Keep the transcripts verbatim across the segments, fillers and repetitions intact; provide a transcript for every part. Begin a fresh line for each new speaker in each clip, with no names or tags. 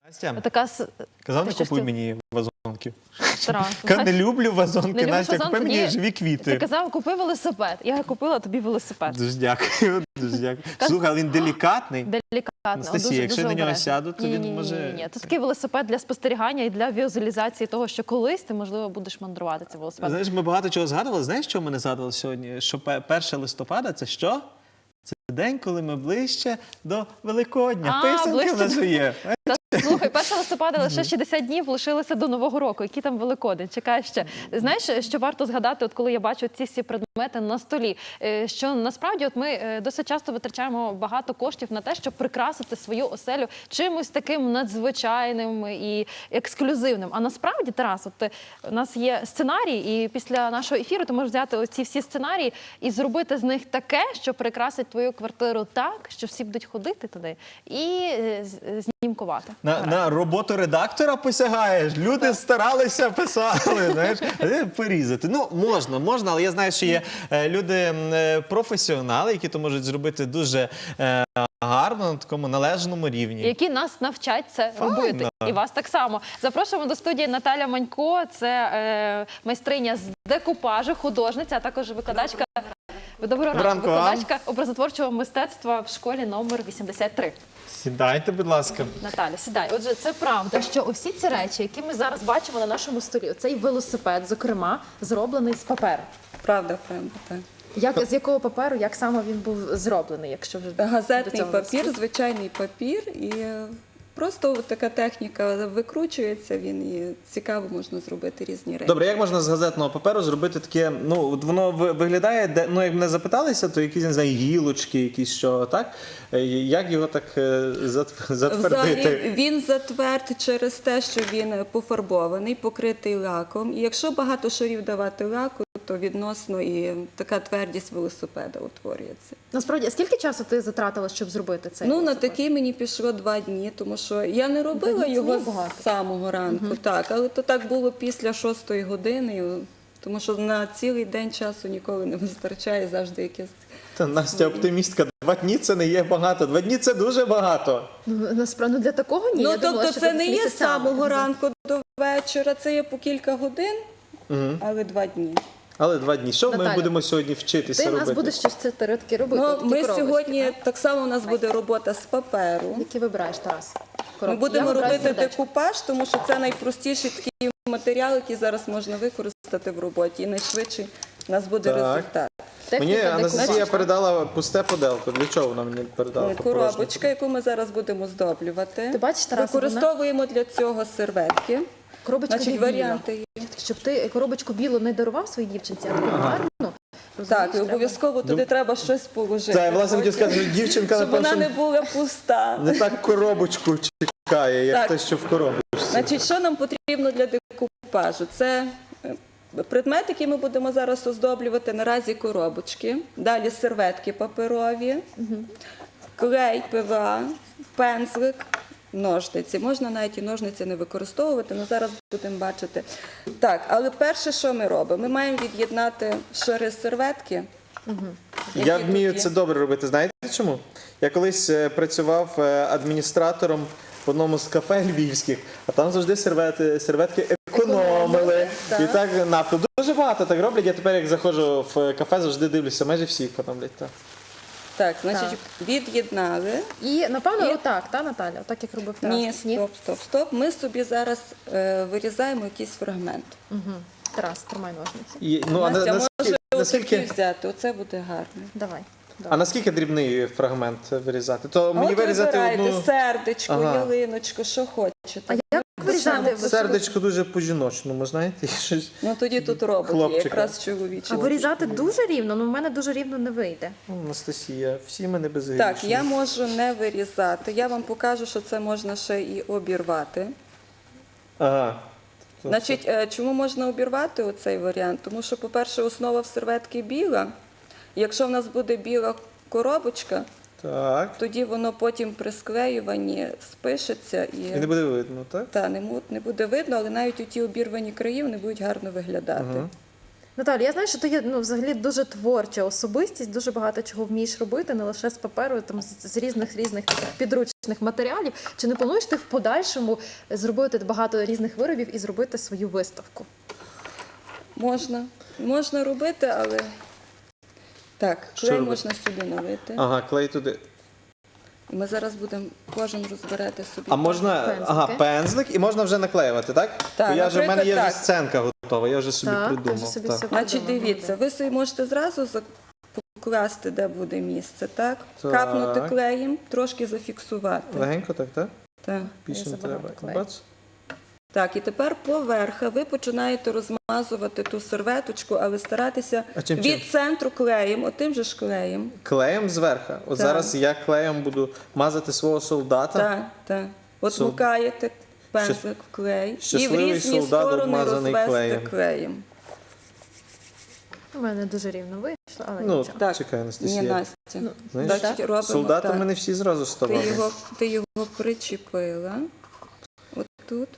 Настя,
Така... с-
казав,
Ти
не
щось
купуй
ти-
мені вазонки.
Тарас,
Кажу, не люблю вазонки,
Не любиш
Настя, купи
вазонки?
мені
Ні.
живі
Ти
квіти.
казав, купи велосипед. Я купила тобі велосипед.
Дуже дякую, дуже дякую. Слухай, але він делікатний.
Делікатно.
Анастасія,
дуже,
якщо
дуже
на нього
обережно.
сяду, то
Ні,
він
ні, ні,
може-
Ні, ні. Це такий велосипед для спостерігання і для візуалізації того, що колись ти, можливо, будеш мандрувати цим велосипедом.
Знаєш, ми багато чого згадували. Знаєш, що ми не згадували сьогодні? Що пе- перше листопада – це що? Це день, коли ми ближче до Великодня.
А,
Писанки
ближче
в нас
до-
же є.
Слухай, першого листопада лише шістдесят днів лишилося до Нового року. Який там Великодень? Чекай ще. Знаєш, що варто згадати, от коли я бачу ці всі предмети на столі, е, що насправді от ми е, досить часто витрачаємо багато коштів на те, щоб прикрасити свою оселю чимось таким надзвичайним і ексклюзивним. А насправді, Тарас, от е, у нас є сценарій, і після нашого ефіру ти можеш взяти оці всі сценарії і зробити з них таке, що прикрасить твою квартиру так, що всі будуть ходити туди і е, з- знімкувати.
На, на роботу редактора посягаєш. Люди старалися, писали, знаєш, а ти порізати. Ну, можна, можна, але я знаю, що є е, люди м, е, професіонали, які то можуть зробити дуже е, гарно, на такому належному рівні.
Які нас навчать це
Файно.
робити. І вас так само. Запрошуємо до студії Наталя Манько. Це е, майстриня з декупажу, художниця, а також викладачка. Доброго ранку,
ранку вам.
викладачка образотворчого мистецтва в школі номер вісімдесят три.
Сідайте, будь ласка.
Наталя, сідай. Отже, це правда, що усі ці речі, які ми зараз бачимо на нашому столі, цей велосипед, зокрема, зроблений з паперу.
Правда, правда, так.
Як, з якого паперу, як саме він був зроблений, якщо вже до
Газетний
цього
папір, звичайний папір, і е, просто така техніка викручується, він і цікаво можна зробити різні речі.
Добре, як можна з газетного паперу зробити таке, ну, от воно ви- виглядає, де, ну, як мене запиталися, то якісь, не знаю, гілочки, якісь що, так? Е, Як його так е, зат- затвердити?
Взагалі він затверд через те, що він пофарбований, покритий лаком. І якщо багато шарів давати лаку, то відносно і така твердість велосипеда утворюється.
Насправді, а скільки часу ти затратила, щоб зробити цей
Ну, на
велосипед?
такий мені пішло два дні, тому що я не робила
Два дні це
його
небагато.
з самого ранку, так, але то так було після шостої години, тому що на цілий день часу ніколи не вистачає, завжди якесь.
Та Настя оптимістка. Два дні це не є багато. Два дні це дуже багато.
Ну, насправді, ну, для такого ні.
Ну,
Я думала,
тобто
що
це
ти
не є з
місяцями.
самого ранку до вечора, це є по кілька годин,
Угу.
але два дні.
Але два дні. Що ми
Наталя,
будемо сьогодні вчитися
Ти
робити?
нас будеш щось це таки робити.
Ну,
такі
ми
коробочки,
сьогодні,
так?
так само у нас буде робота з паперу.
Які вибираєш, Тарас?
Ми
Коробки.
будемо
Я вибираю
робити
сердечко.
декупаж, тому що це найпростіший такий матеріал, який зараз можна використати в роботі. І найшвидший у нас буде
Так.
результат.
Техніка
Мені Анастасія
декупажу.
передала пусте поделку. Для чого вона мені передала?
Коробочка, яку ми зараз будемо здоблювати.
Ти бачиш, Тарас,
Використовуємо для цього серветки.
Коробочка
Значить,
біла.
варіанти є.
Щоб ти коробочку білу не дарував своїй дівчинці, а таку гарну.
Так, і обов'язково туди треба щось положити.
Так, власне, хотів
потім,
сказати, що дівчинка,
щоб вона
напевно,
не була пуста.
не так коробочку чекає, як
Так.
те, що в коробочці.
Значить, що нам потрібно для декупажу? Це е, предмет, який ми будемо зараз оздоблювати, наразі коробочки, далі серветки паперові, клей пе ве а, пензлик, ножниці. Можна навіть і ножниці не використовувати, але зараз будемо бачити. Так, але перше, що ми робимо? Ми маємо від'єднати шари серветки.
Я
які
вмію
тут є.
це добре робити. Знаєте чому? Я колись е, працював е, адміністратором в одному з кафе львівських, а там завжди сервети, серветки економили.
Так.
І так нафту. Дуже багато так роблять. Я тепер, як заходжу в кафе, завжди дивлюся, майже всі економлять. Так.
Так, значить, від'єднали.
І, напевно,
І-
отак, та, Наталя? Отак, як робив Тарас?
Ні, стоп, стоп, стоп. Ми собі зараз е, вирізаємо якийсь фрагмент.
Угу. Тарас, тримай ножниці.
І, ну, а, на-
Настя,
наскільки,
може
наскільки,
отакі взяти, оце буде гарно.
Давай.
а наскільки дрібний фрагмент вирізати? То мені
От
вирізати
вибирайте
одну...
сердечко,
Ага.
ялиночку, що хочете.
А як вирізати?
Сердечко дуже по-жіночному, знаєте? Щось...
Ну тоді тут робот є,
Хлопчика.
якраз чоловічий.
А вирізати дуже рівно, ну в мене дуже рівно не вийде.
Ну, Анастасія, всі мене безгрішні.
Так, я можу не вирізати. Я вам покажу, що це можна ще і обірвати.
Ага.
Значить, е, чому можна обірвати оцей варіант? Тому що, по-перше, основа в серветки біла. Якщо в нас буде біла коробочка,
Так.
тоді воно потім при склеюванні спишеться і,
І не буде видно, так?
та, не, му- не буде видно, але навіть у ті обірвані краї вони будуть гарно виглядати.
Ага.
Наталя, я знаю, що ти є ну, взагалі дуже творча особистість, дуже багато чого вмієш робити, не лише з паперу, там з, з різних різних підручних матеріалів. Чи не плануєш ти в подальшому зробити багато різних виробів і зробити свою виставку?
Можна. Можна робити, але так,
Що
клей
робити?
можна сюди налити.
Ага, клей туди.
І ми зараз будемо кожен розбирати собі.
А можна,
Пензлики.
ага, пензлик і можна вже наклеювати, так?
Так,
Бо я вже, в мене є
наприклад,
вже
так.
сценка готова, я вже собі
Так, ти
придумав.
вже собі
так.
все
Значить,
придумала,
дивіться, ви собі можете зразу зак- покласти, де буде місце, так?
Так.
Капнути клеєм, трошки зафіксувати.
Легенько так, так?
Так.
Більше не
забагато
треба.
клею.
Бац.
Так, і тепер поверха ви починаєте розмазувати ту серветочку, але старатися
А чим,
від
чим?
центру клеєм, отим же ж клеєм.
Клеєм зверху. От
Так.
зараз я клеєм буду мазати свого солдата.
Так, так. От
Сол-
макаєте пензлик в клей і в
Щасливий
різні
солдат,
сторони
обмазаний
розвести
клеєм.
клеєм.
У мене дуже рівно вийшло, але
Ну,
нічого.
Так.
чекай,
Ні,
Анастасія.
Настя.
Знаєш,
Значить, робимо
солдатами
так.
не всі зразу
Ти
ставали.
його, ти його причепила. От тут.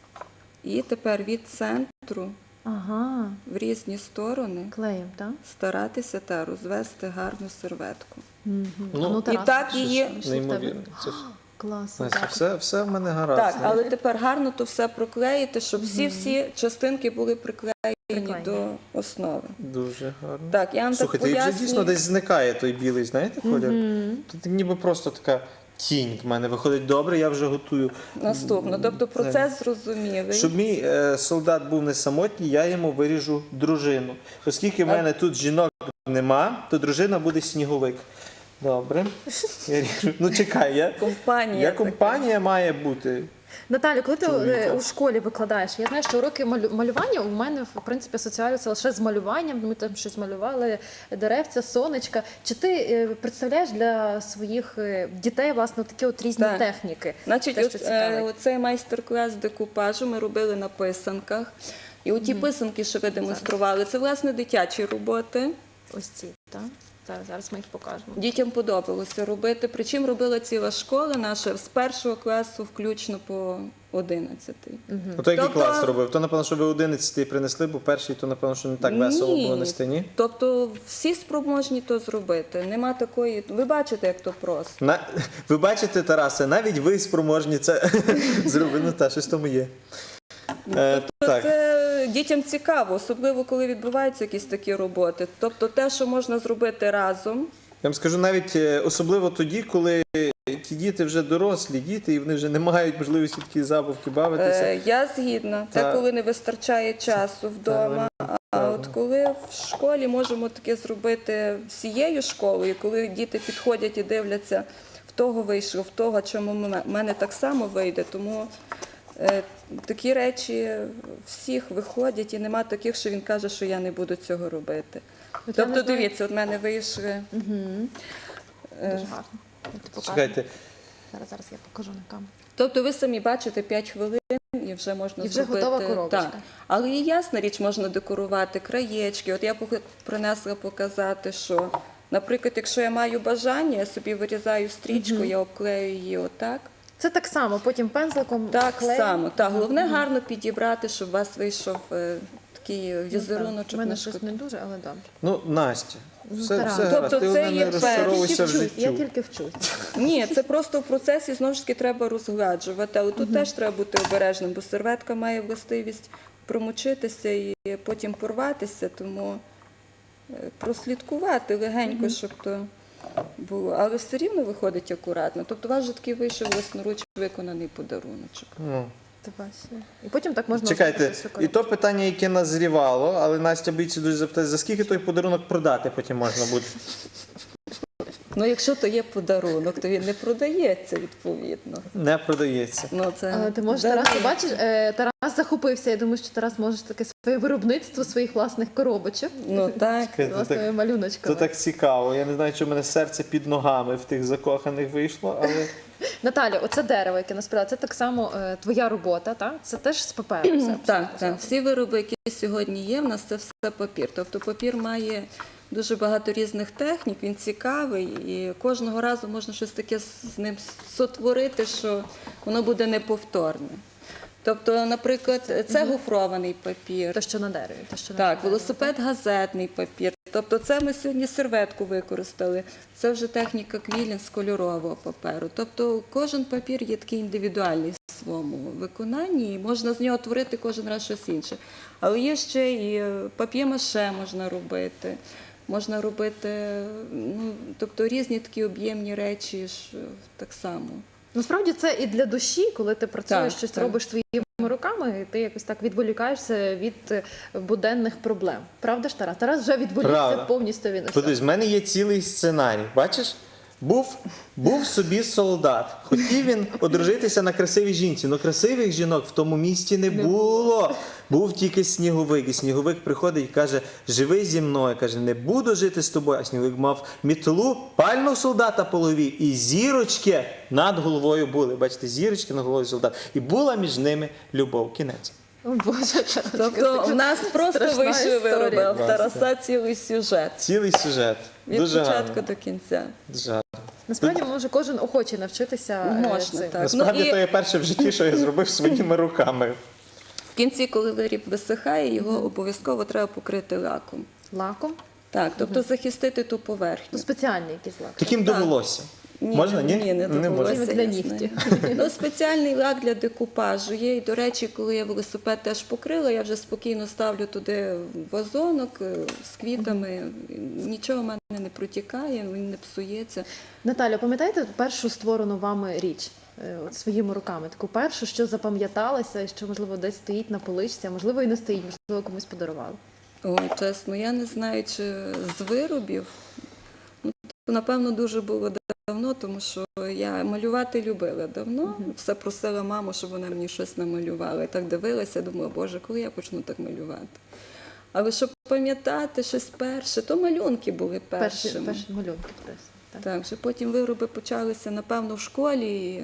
І тепер від центру
Ага,
в різні сторони
клеєм, так?
старатися та розвести гарну серветку.
Мгм.
Ну,
Ну,
І
Тарас,
так
що
її-
ж, що в тебе?
Неймовірно. Це ж-
Клас.
Настя,
так.
все, все в мене гаразд.
Так,
знаєш.
але тепер гарно то все проклеїти, щоб всі-всі частинки були приклеєні
Приклеєні.
до основи.
Дуже гарно.
Так, я вам
Слухайте,
так
і вже
пояснюю.
дійсно десь зникає той білий, знаєте, колір? Тут ніби просто така тінь в мене виходить добре, я вже готую.
Наступно. Тобто процес зрозумілий.
Щоб мій е, солдат був не самотній, я йому виріжу дружину. Оскільки в мене тут жінок нема, то дружина буде сніговик. Добре. Я ріжу. Ну чекай, я,
Компанія
я
така.
компанія має бути.
Наталю, коли ти
Чоловіка.
е, у школі викладаєш, я знаю, що уроки малю- малювання у мене в принципі асоціюються лише з малюванням. Ми там щось малювали, деревця, сонечка. Чи ти е, представляєш для своїх е, дітей власне такі от різні
Так.
техніки?
Значить,
Те, що
от,
цікавить.
е, оцей майстер-клас декупажу ми робили на писанках. І оті писанки, що ви демонстрували, це власне дитячі роботи.
Ось ці, так? Зараз, зараз ми їх покажемо.
Дітям подобалося робити. Причому робила ціла школа наша з першого класу включно по одинадцятий.
Ото який
Тобто-
клас робив? То, напевно, що ви одинадцятий принесли, бо перший, то, напевно, що не так весело було нести, ні?
Тобто всі спроможні то зробити. Нема такої. Ви бачите, як то просто.
На... Ви бачите, Тарасе, навіть ви спроможні це зробити. Ну, та, щось тому є. Е, так.
Це дітям цікаво, особливо коли відбуваються якісь такі роботи. Тобто те, що можна зробити разом.
Я вам скажу навіть е, особливо тоді, коли ті діти вже дорослі діти, і вони вже не мають можливості такі забавки бавитися.
Е, я згідна. Це
Так.
коли не вистачає часу вдома. А от коли в школі можемо таке зробити всією школою, коли діти підходять і дивляться, в того вийшло, в того, чому в мене так само вийде. Тому е, такі речі всіх виходять, і нема таких, що він каже, що я не буду цього робити.
От я
Тобто,
не знаю-
дивіться, от в мене вийшли. е,
Дуже гарно. Я тобі покажу.
Чекайте,
Зараз, зараз я покажу на камеру.
Тобто ви самі бачите п'ять хвилин і вже можна
І вже
зробити.
готова коробочка.
Так. Але і ясна річ, можна декорувати краєчки. От я пок- принесла показати, що, наприклад, якщо я маю бажання, я собі вирізаю стрічку, я обклею її отак.
Це так само, потім пензликом
Так
клеєм.
само. Так, головне гарно підібрати, щоб у вас вийшов е, такий візеруночок
У мене
на
щось
шкод.
не дуже, але добре.
ну, Настя, все,
Тарас.
все гаразд.
Тобто
Ти
це
головне,
є
не
перший
розчаровуйся в
вчусь, я
життю.
тільки вчусь.
Ні, це просто в процесі знову ж таки треба розгладжувати. Але тут теж треба бути обережним, бо серветка має властивість промочитися і потім порватися, тому е, прослідкувати легенько, щоб то було. Але все рівно виходить акуратно. Тобто у вас вже такий вийшов власноруч виконаний подаруночок.
Ну.
Ти бачиш. І потім так можна
Чекайте,
зробити всю
і
коробку.
то питання, яке назрівало, але Настя боїться дуже запитати, за скільки той подарунок продати потім можна буде?
Ну, якщо то є подарунок, то він не продається відповідно.
Не продається.
Ну, це
Але ти можеш,
Да.
Тарас, ти бачиш, е, Тарас захопився. Я думаю, що Тарас може таке своє виробництво своїх власних коробочок,
Ну так.
Це
власними
так,
малюночками.
це так цікаво. Я не знаю, чи в мене серце під ногами в тих закоханих вийшло, але
Наталя, оце дерево, яке насправді, це так само е, твоя робота, так? Це теж з паперу. все
Так,
абсолютно.
так. Всі вироби, які сьогодні є, в нас це все папір. Тобто папір має дуже багато різних технік, він цікавий, і кожного разу можна щось таке з ним сотворити, що воно буде неповторне. Тобто, наприклад, це гофрований папір.
Те, що на дереві. Те, що на
Так,
дереві.
велосипед газетний папір. Тобто це ми сьогодні серветку використали. Це вже техніка квілінг з кольорового паперу. Тобто кожен папір є такий індивідуальний в своєму виконанні, і можна з нього творити кожен раз щось інше. Але є ще і пап'є-маше можна робити. Можна робити, ну, тобто різні такі об'ємні речі ж так само.
Насправді це і для душі, коли ти працюєш,
Так,
щось
так.
робиш своїми руками, і ти якось так відволікаєшся від е, буденних проблем. Правда ж, Тарас? Тарас вже відволікся
Правда.
повністю від усього.
Подивись, в мене є цілий сценарій. Бачиш? Був, був собі солдат. Хотів він одружитися на красивій жінці, але красивих жінок в тому місті не було. Був тільки сніговик. І сніговик приходить і каже: живи зі мною. Каже, не буду жити з тобою. А сніговик мав мітлу, пальнув солдата по голові, і зірочки над головою були. Бачите, зірочки над головою солдата. І була між ними любов. Кінець.
О, Боже, Тарас,
Тобто у нас просто
страшна
вийшов
історія.
вироби, а в Тараса цілий сюжет.
Цілий сюжет.
Від
Дуже
початку
гарно.
до кінця.
Дуже гарно.
Насправді може кожен охоче навчитися е,
Можна,
цим.
так.
Насправді,
Ну, і-
то є перше в житті, що я зробив своїми руками.
В кінці, коли виріб висихає, його обов'язково треба покрити лаком.
Лаком.
Так, тобто захистити ту поверхню.
Ну, спеціальний якийсь лак.
Таким до волосся. Можна? Ні?
Ні, не,
Не
довелося,
можна.
Для
ясно.
нігтів.
Ну, спеціальний лак для декупажу є. І, до речі, коли я велосипед теж покрила, я вже спокійно ставлю туди вазонок е, з квітами. Нічого в мене не протікає, він не псується.
Наталя, пам'ятаєте першу створену вами річ е, от своїми руками? Таку першу, що запам'яталася, і що, можливо, десь стоїть на поличці, а можливо, і не стоїть, можливо, комусь подарували.
Ой, чесно, я не знаю, чи з виробів. Ну, то, напевно, дуже було давно, тому що я малювати любила давно. Все просила маму, щоб вона мені щось намалювала. І так дивилася, думала, Боже, коли я почну так малювати? Але щоб пам'ятати щось перше, то малюнки були
Перші,
першими.
перші малюнки. десь, Так.
Так, вже потім вироби почалися, напевно, в школі. І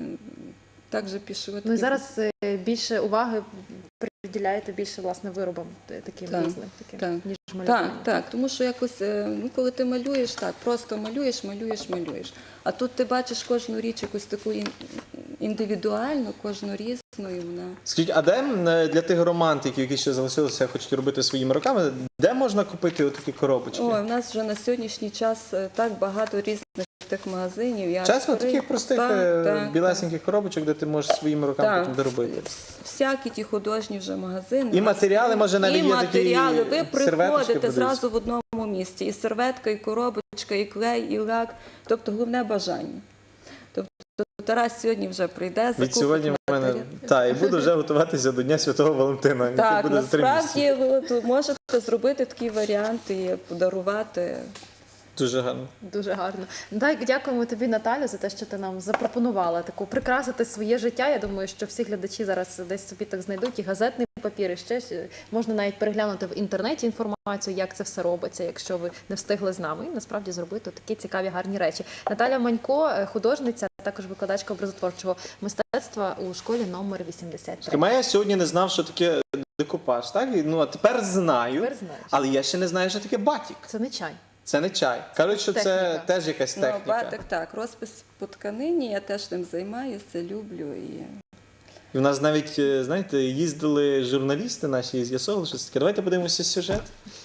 так же пішли.
Ну і
такі-
зараз е, більше уваги приділяєте більше, власне, виробам е, таким
Так,
різним, таким,
так.
ніж малюванню.
Так, так, тому що якось, е, ну, коли ти малюєш, так, просто малюєш, малюєш, малюєш. А тут ти бачиш кожну річ якусь таку ін- індивідуальну, кожну різну, і вона.
Скажіть, а де м, е, для тих романтиків, які ще залишилися, хочуть робити своїми руками, де можна купити отакі коробочки?
Ой, в нас вже на сьогоднішній час е, так багато різних тих магазинів. Я
Чесно,
відкрию-
таких простих
Так,
е,
так,
білесеньких коробочок, де ти можеш своїми руками
Так.
потім доробити.
Всякі ті художні вже магазини.
І
У нас
матеріали, може, навіть
і
є такі
матеріали. Ви
серветочки,
приходите
подивись.
зразу в одному місці. І серветка, і коробочка, і клей, і лак. Тобто головне бажання. Тобто Тарас сьогодні вже прийде, закупить
Від сьогодні в мене
матеріал.
та і буду вже готуватися до Дня Святого Валентина. який
Так,
буде за три місяці.
насправді ви от можете зробити такий варіант і подарувати.
Дуже гарно.
Дуже гарно. Так, дякуємо тобі, Наталю, за те, що ти нам запропонувала таку прикрасити своє життя. Я думаю, що всі глядачі зараз десь собі так знайдуть і газетний папір, і ще ж. Можна навіть переглянути в інтернеті інформацію, як це все робиться, якщо ви не встигли з нами. І насправді зробити такі цікаві гарні речі. Наталя Манько, е, художниця, також викладачка образотворчого мистецтва у школі номер вісімдесят три.
Хіба я сьогодні не знав, що таке декупаж, так? І, ну, а тепер знаю,
Тепер знаєш.
але я ще не знаю, що таке батік.
Це не чай.
Це не чай. Кажуть, що це
Техніка.
теж якась
Ну,
техніка.
батик, так, розпис по тканині, я теж ним займаюся, люблю. І...
І в нас навіть, е, знаєте, їздили журналісти наші і з'ясовували, що це таке. Давайте подивимося сюжет.